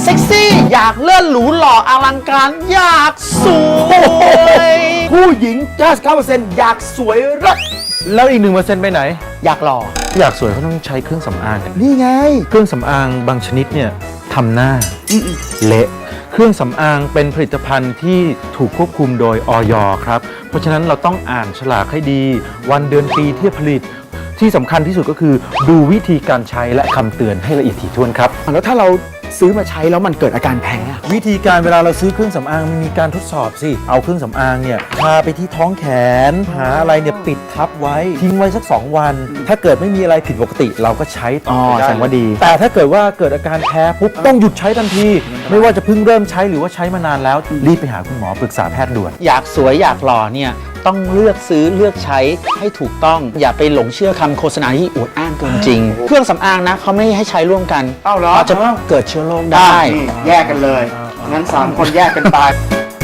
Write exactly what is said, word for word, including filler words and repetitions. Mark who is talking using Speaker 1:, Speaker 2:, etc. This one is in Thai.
Speaker 1: เซ็กซี่อยากเลื่อนหรูหล่ออลังการอยากสวยผู้หญิง เก้าสิบเก้าเปอร์เซ็นต์ อยากสวยเลิศ
Speaker 2: แล้วอีกหนึ่งเปอร์เซ็นต์ไปไหน
Speaker 1: อยากหล่อ
Speaker 2: อยากสวยเขาต้องใช้เครื่องสำอาง
Speaker 1: นี่ไง
Speaker 2: เครื่องสำอางบางชนิดเนี่ยทำหน้าเละเครื่องสำอางเป็นผลิตภัณฑ์ที่ถูกควบคุมโดยอย ครับเพราะฉะนั้นเราต้องอ่านฉลากให้ดีวันเดือนปีที่ผลิตที่สำคัญที่สุดก็คือดูวิธีการใช้และคำเตือนให้ละเอียดถี่ถ้วนครับ
Speaker 1: แล้วถ้าเราซื้อมาใช้แล้วมันเกิดอาการแพ้
Speaker 2: วิธีการเวลาเราซื้อเครื่องสำอางมันมีการทดสอบสิเอาเครื่องสำอางเนี่ยทาไปที่ท้องแขนหาอะไรเนี่ยปิดทับไว้ทิ้งไว้สักสองวัน ถ้าเกิดไม่มีอะไรผิดปกติเราก็ใช้ต่อไปได้
Speaker 1: แสดงว่าดี
Speaker 2: แต่ถ้าเกิดว่าเกิดอาการแพ้ปุ๊บต้องหยุดใช้ทันที ไม่ว่าจะเพิ่งเริ่มใช้หรือว่าใช้มานานแล้วรีบไปหาคุณหมอปรึกษาแพทย์ด่วน
Speaker 1: อยากสวยอยากหล่อเนี่ยต้องเลือกซื้อเลือกใช้ให้ถูกต้องอย่าไปหลงเชื่อคำโฆษณาที่อวดอ้างเกินจริง เครื่องสำอางนะเขาไม่ให้ใช้ร่วมกัน
Speaker 3: เอ้าเหรอ
Speaker 1: จะเกิดเชื้อโรคได้
Speaker 3: นี่แยกกันเลย งั้นสามคนแยกกันตาย